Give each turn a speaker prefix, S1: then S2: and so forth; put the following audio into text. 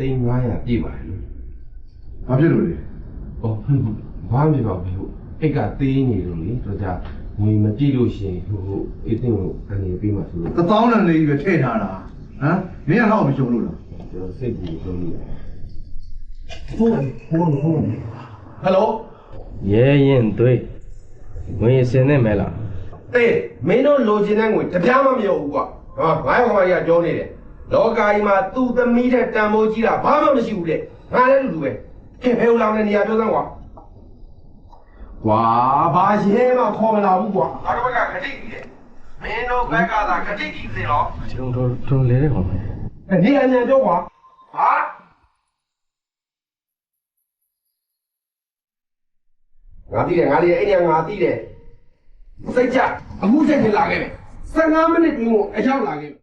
S1: သိန်း900ပြည့်ပါတယ်လို့
S2: ဘာဖြစ်လို့လဲ
S1: ဟောဘာမှမဖြစ်ပါဘူးအိတ်ကသေးနေလို့လေတော့ကြာငွေမကြည့်လို့ရှိရင်အေးတင်ကိုအနေပေးမှဆိုလို့
S2: 1000တန်လေးကြီးပဲထည့်ထားတာဟမ်မင်းကတော့မရှုံလို့လား
S1: ကျွန်တော်စိတ်ကြီးဆုံးလို့ဟိုးဟယ်လို
S3: ရဲရင်သွေးဝင်စင်နေမဲလား
S1: အေးမင်းတို့လိုချင်တဲ့ငွေတပြားမှမရောဘူးကွာဟာငါ့ကောင်မကြီးကပြောနေတယ်လောကကြီးမှာသူ့သမီးတဲ့တန်ဖိုးကြီးတာဘာမှမရှိဘူးတဲ့ငါလည်းလူပဲခင်ဖဲဦးလောင်တဲ့နေရာပြောစမ်းကွာကွာဘာရဲမှခေါ်မလာဘူးကွာငါတို့ဘက်ကခတိကြီးတယ်မင်းတို့ဘက်ကသာခတိကြီးစင်တော့
S3: ကျွန်တော်လဲတဲ့ကောင်ပဲ
S1: နေအញ្ញံပြောကွာဟာငါသိတယ်အဲ့ညငါသိတယ်စိတ်ကြအခုချက်ချင်းလာခဲ့မယ်15မိနစ်တွင်းကိုအရောက်လာခဲ့